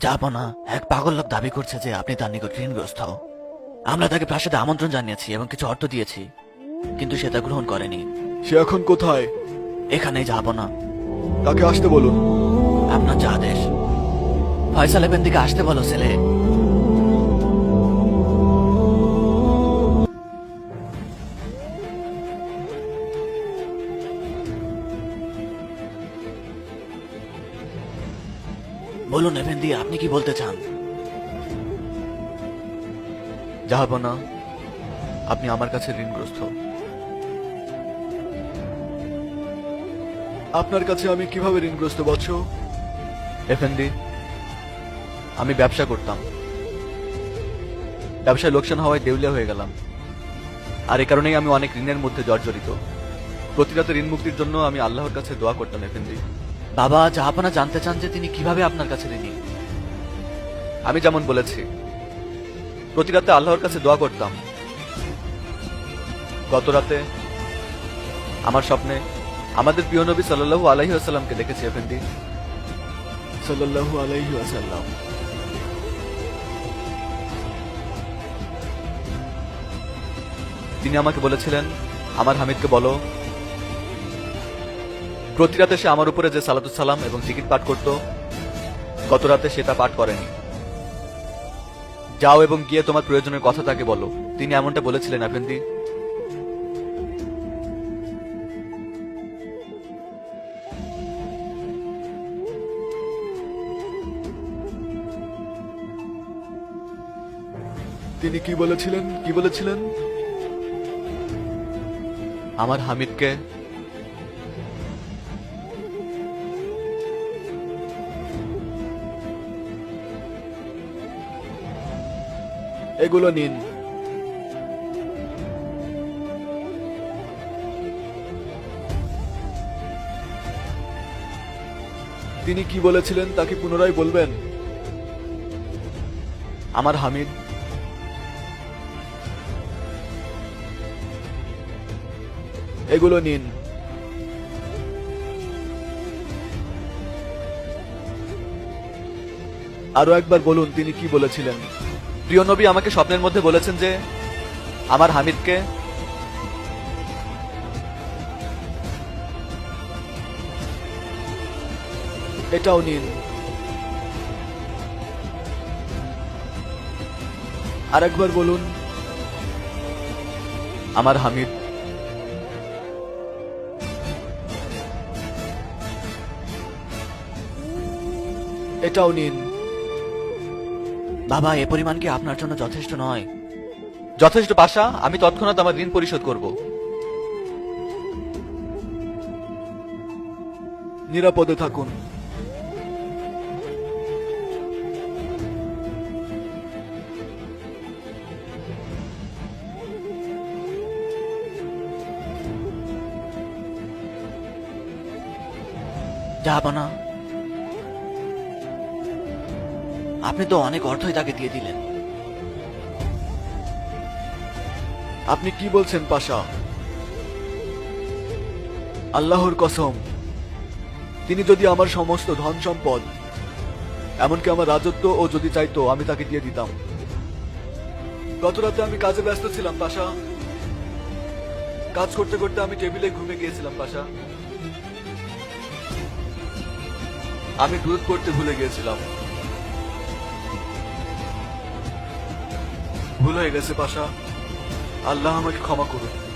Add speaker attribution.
Speaker 1: জাহাপনা, এক পাগল লোক দাবি করছে যে আপনি তার নিকট ঋণগ্রস্ত। আমরা তাকে প্রাসাদে আমন্ত্রণ জানিয়েছি এবং কিছু অর্থ দিয়েছি, কিন্তু সে তা গ্রহণ করেনি।
Speaker 2: সে এখন কোথায়?
Speaker 1: এখানেই জাহাপনা।
Speaker 2: তাকে আসতে বলুন।
Speaker 1: আপনার যা আদেশ। ফয়সাল এফেন্দিকে আসতে বলো ছেলে। বলুন এফেন্দি, আপনি কি বলতে চান?
Speaker 2: জাহাপনা, আপনি আমার কাছে ঋণগ্রস্ত। আপনার কাছে আমি কিভাবে ঋণগ্রস্ত বৎস? এফেন্দি, আমি ব্যবসা করতাম, ব্যবসায় লোকসান হওয়ায় দেউলিয়া হয়ে গেলাম, আর এ কারণেই আমি অনেক ঋণের মধ্যে জর্জরিত। প্রতি রাতে ঋণ মুক্তির জন্য আমি আল্লাহর কাছে দোয়া করতাম। এফেন্দি,
Speaker 1: বাবা, জাহাপনা জানতে চান যে তিনি কিভাবে আপনার কাছে ঋণী।
Speaker 2: আমি যেমন বলেছি, প্রতি রাতে আল্লাহর কাছে দোয়া করতাম। গত রাতে আমার স্বপ্নে আমাদের প্রিয় নবী সাল্লাল্লাহু আলাইহি ওয়াসাল্লামকে দেখেছি। এফেন্দি, সাল্লাল্লাহু আলাইহি ওয়াসাল্লাম। তিনি আমাকে বলেছিলেন, আমার হামিদকে বলো প্রতি রাতে সে আমার উপরে যে সালাতুস সালাম এবং জিকির পাঠ করত, গত রাতে সেটা পাঠ করেনি। যাও এবং গিয়ে তোমার প্রয়োজনের কথা তাকে বলো। তিনি এমনটা বলেছিলেন। এফেন্দি, তিনি কি বলেছিলেন? কি বলেছিলেন? আমার হামিদকে এগুলো নিন। তিনি কি বলেছিলেন তাকে পুনরায় বলবেন। আমার হামিদ এগুলো নিন। আরো একবার বলুন তিনি কি বলেছিলেন। প্রিয় নবী আমাকে স্বপ্নের মধ্যে বলেছেন যে আমার হামিদকে এটাও নিন। আরেকবার বলুন, আমার হামিদ এটাও নিন।
Speaker 1: বাবা, এ পরিমাণ কি আপনার জন্য যথেষ্ট নয়?
Speaker 2: যথেষ্ট পাশা, আমি তৎক্ষণাৎ আমার ঋণ পরিশোধ করব। নিরাপদে থাকুন।
Speaker 1: জাহাপনা, আপনি তো অনেক অর্থই তাকে দিয়ে দিলেন।
Speaker 2: আপনি কি বলছেন পাশা? আল্লাহর কসম, তিনি যদি আমার সমস্ত ধন সম্পদ, এমনকি আমার রাজত্ব ও যদি চাইতো, আমি তাকে দিয়ে দিতাম। গত রাতে আমি কাজে ব্যস্ত ছিলাম পাশা। কাজ করতে করতে আমি টেবিলে ঘুমিয়ে গিয়েছিলাম পাশা। আমি দুধ করতে ভুলে গিয়েছিলাম। ভুল হয়ে গেছে পাশা। আল্লাহ আমাকে ক্ষমা করুন।